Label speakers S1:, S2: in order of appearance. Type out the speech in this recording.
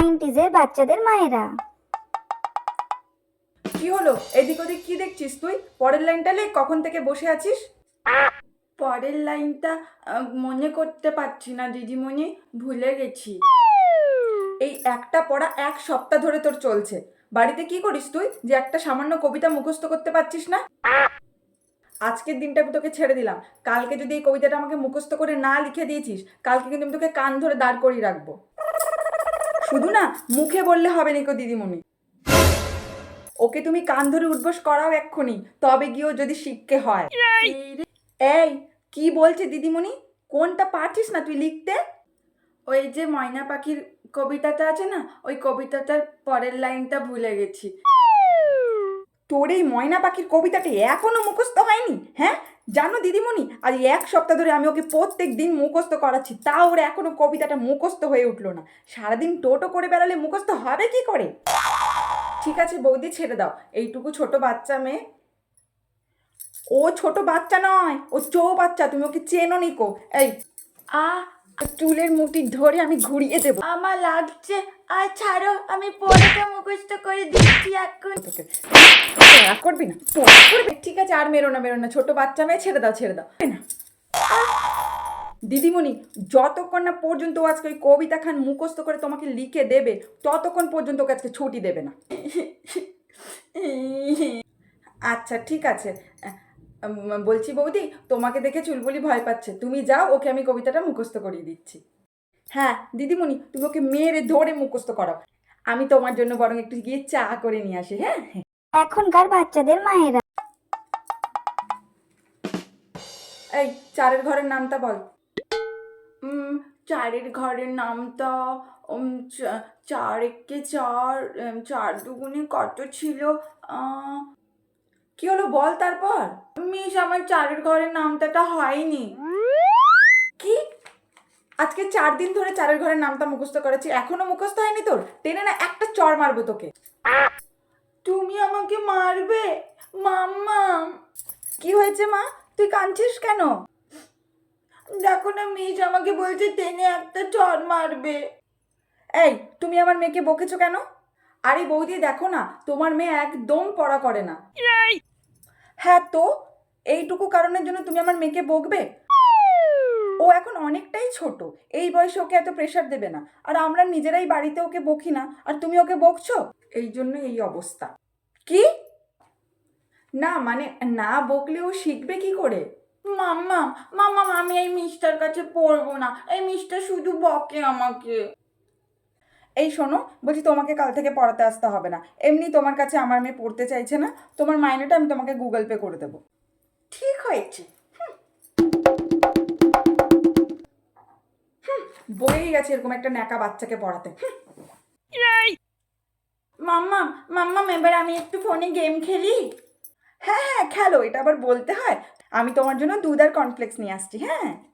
S1: 90s বাচ্চাদের মায়েরা।
S2: কি হলো? এদিক ওদিক কি দেখছিস তুই? পরের লাইনটা লেখ, কখন থেকে বসে আছিস? পরের লাইনটা মনে করতে পারছি না দিদিমণি, ভুলে গেছি। এই একটা পড়া 1 সপ্তাহ ধরে তোর চলছে। বাড়িতে কি করিস তুই যে একটা সামান্য কবিতা মুখস্থ করতে পারছিস না? আজকের দিনটা আমি তোকে ছেড়ে দিলাম। কালকে যদি এই কবিতাটা আমাকে মুখস্থ করে না লিখে দিয়েছিস, কালকে কিন্তু আমি তোকে কান ধরে দাঁড় করিয়ে রাখবো। শুধু না মুখে বললে হবে না দিদিমণি। ওকে তুমি কান ধরে উঠবোস করাও এক্ষুনি, তবে গিয়েও যদি শিক্ষে হয়। এই কি বলছে দিদিমণি? কোনটা পারছিস না তুই লিখতে? ওই যে ময়না পাখির কবিতাটা আছে না, ওই কবিতাটার পরের লাইনটা ভুলে গেছি। তোর এই ময়না পাখির কবিতাটা এখনো মুখস্থ হয়নি? হ্যাঁ জানো দিদিমণি, আজ 1 সপ্তাহ ধরে আমি ওকে প্রত্যেক দিন মুখস্থ করাচ্ছি, তাও ওর এখনো কবিতাটা মুখস্থ হয়ে উঠলো না। সারাদিন টোটো করে বেড়ালে মুখস্থ হবে কি করে? ঠিক আছে বৌদি, ছেড়ে দাও। এইটুকু ছোট বাচ্চা মেয়ে। ও ছোট বাচ্চা নয়, ও বাচ্চা, তুমি ওকে চেনো নিকো। এই চুলের মুঠি ধরে আমি ঘুরিয়ে দেবো। আমার লাগছে, আর ছাড়ো, আমি পড়াটা মুখস্থ করে দিচ্ছি এখন। তোকে করবি না, করবি? ঠিক আছে, আর মেরো না, ছোট বাচ্চা মেয়ে, ছেড়ে দাও না। দিদিমণি, যতক্ষণ না পর্যন্ত আজকে ওই কবিতা খান মুখস্থ করে তোমাকে লিখে দেবে, ততক্ষণ পর্যন্ত ওকে আজকে ছুটি দেবে না। আচ্ছা ঠিক আছে, বলছি বৌদি, তোমাকে দেখে চুলবুলি ভয় পাচ্ছে, তুমি যাও, ওকে আমি কবিতাটা মুখস্থ করিয়ে দিচ্ছি। হ্যাঁ দিদিমণি, তুমি ওকে মেরে ধরে মুখস্থ করাও। আমি তোমার জন্য বরং একটু গিয়ে চা করে নিয়ে আসি। হ্যাঁ,
S1: এখনকার বাচ্চাদের মায়েরা।
S2: এই চারের ঘরের নামটা বল। চারের ঘরের নামটা 4 একে 4, 4 দুগুণে কত ছিল? কি হলো বল তারপর। মিস, আমার চারের ঘরের নামটা হয়নি। কি? আজকে 4 দিন ধরে চারের ঘরের নামটা মুখস্থ করেছি, এখনো মুখস্থ হয়নি তোর? টেনে না একটা চড় মারবো তোকে। তুমি আমাকে মারবে? মাম্মা। কি হয়েছে মা, তুই কাঁদছিস কেন? দেখো না মিস আমাকে বলছে টেনে একটা চড় মারবে। এই তুমি আমার মেয়েকে বকেছো কেন? আরে বৌদি দেখো না, তোমার মেয়ে একদম পড়া করে না। হ্যাঁ তো এইটুকু কারণের জন্য তুমি আমার মেয়েকে বকবে? ও এখন অনেকটাই ছোট, এই বয়সে ওকে এত প্রেশার দেবে না। আর আমরা নিজেরাই বাড়িতে ওকে বকি না, আর তুমি ওকে বকছো? এই জন্য এই অবস্থা। কি? না মানে না বকলে ও শিখবে কি করে? মাম্মা মাম্মা, আমি এই মিস্টার কাছে পড়বো না, এই মিস্টার শুধু বকে আমাকে। এই শোনো, বলছি তোমাকে কাল থেকে পড়াতে আসতে হবে না, এমনি তোমার কাছে আমার মেয়ে পড়তে চাইছে না, তোমার মাইনেটা আমি তোমাকে গুগল পে করে দেবো। ঠিক হয়েছে। বয়েই গেছে এরকম একটা ন্যাকা বাচ্চাকে পড়াতে। মাম্মা মাম্মা, এবার আমি একটু ফোনে গেম খেলি। হ্যাঁ খেলো, এটা আবার বলতে হয়? আমি তোমার জন্য দুধ আর কর্নফ্লেক্স নিয়ে আসছি। হ্যাঁ।